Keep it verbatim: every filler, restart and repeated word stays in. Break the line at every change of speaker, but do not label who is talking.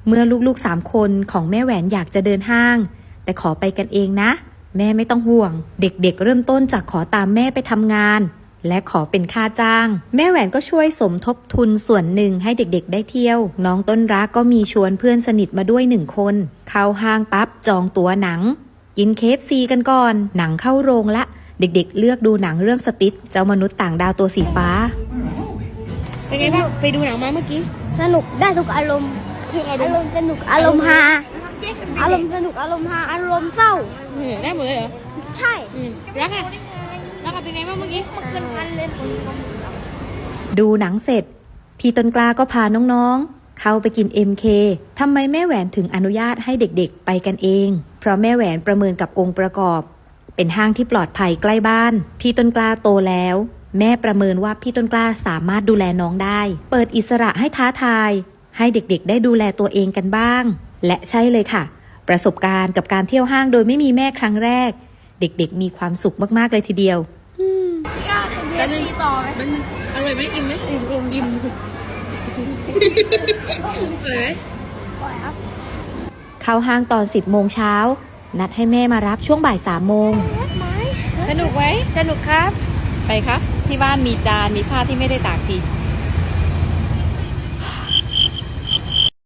เมื่อลูกๆสามคนของแม่แหวนอยากจะเดินห้างแต่ขอไปกันเองนะแม่ไม่ต้องห่วงเด็กๆเริ่มต้นจากขอตามแม่ไปทำงานและขอเป็นค่าจ้างแม่แหวนก็ช่วยสมทบทุนส่วนหนึ่งให้เด็กๆได้เที่ยวน้องต้นรักก็มีชวนเพื่อนสนิทมาด้วยหนึ่งคนเข้าห้างปั๊บจองตั๋วหนังกินเคฟซีกันก่อนหนังเข้าโรงละเด็กๆเลือกดูหนังเรื่องสติ๊ดเจ้ามนุษย์ต่างดาวตัวสีฟ้า
เป็นไงบ้างไปดูหนังมาเมื่อกี้
สนุกได้ทุกอารมณ์อารมณ์สนุกอารมณ์ฮาอารมณ์สนุกอารมณ์ฮาอารมณ์เศร้า
ได้หมดเลยเหรอ
ใช่
รักอะรักอะเป็นไงบ้างเมื่อกี้
เกินพันเลย
ดูหนังเสร็จพี่ต้นกล้าก็พาน้องๆเข้าไปกิน เอ็ม เค ทำไมแม่แหวนถึงอนุญาตให้เด็กๆไปกันเองเพราะแม่แหวนประเมินกับองค์ประกอบเป็นห้างที่ปลอดภัยใกล้บ้านพี่ต้นกล้าโตแล้วแม่ประเมินว่าพี่ต้นกล้าสามารถดูแลน้องได้เปิดอิสระให้ท้าทายให้เด็กๆได้ดูแลตัวเองกันบ้างและใช่เลยค่ะประสบการณ์กับการเที่ยวห้างโดยไม่มีแม่ครั้งแรกเด็กๆมีความสุขมากๆเลยทีเดียว
แล้วนึงต่อไหม
มันอร่อยไหมอิ่มไหมอิ่มอิ่มอิ่มเลยไหม
เข้าห้างตอนสิบโมงเช้านัดให้แม่มารับช่วงบ่ายสามโมง
สนุกไหม
สนุกครับ
ไปครับที่บ้านมีจานมีผ้าที่ไม่ได้ตากที